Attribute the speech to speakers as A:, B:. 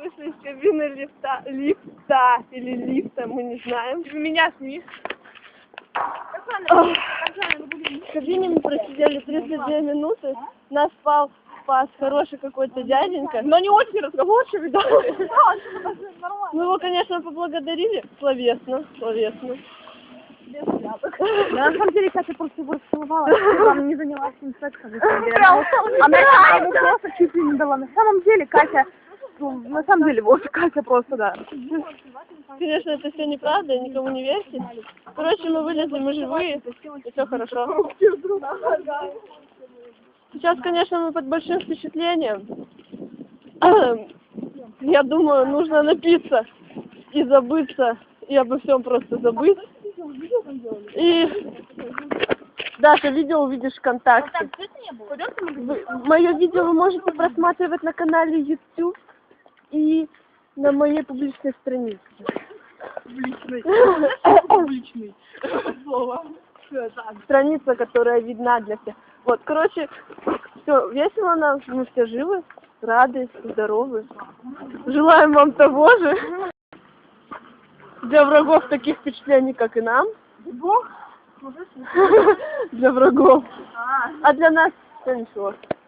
A: вышли из кабины лифта или лифта, мы не знаем.
B: Меня сними.
A: В кабине мы просидели 32 минуты, нас спас хороший какой-то дяденька.
B: Но не очень разговорчивый, да?
A: Мы его, конечно, поблагодарили словесно.
B: На самом деле, Катя просто его целовала, она не занялась с ним сексом, на самом деле. Она ему просто чуть ли не дала. На самом деле, Катя, на самом деле, вот Катя просто, да.
A: Конечно, это все неправда, никому не верьте. Короче, мы вылезли, мы живые, и все хорошо. Сейчас, конечно, мы под большим впечатлением. Я думаю, нужно напиться и забыться, и обо всем просто забыть. И Даша, видео увидишь ВКонтакте. Мое видео вы можете просматривать на канале YouTube и на моей публичной странице.
B: Публичный. Слово.
A: Страница, которая видна для всех. Вот, короче, все весело нам, мы все живы, рады, здоровы. Желаем вам того же. Для врагов таких впечатлений, как и нам. Для врагов. А для нас все ничего.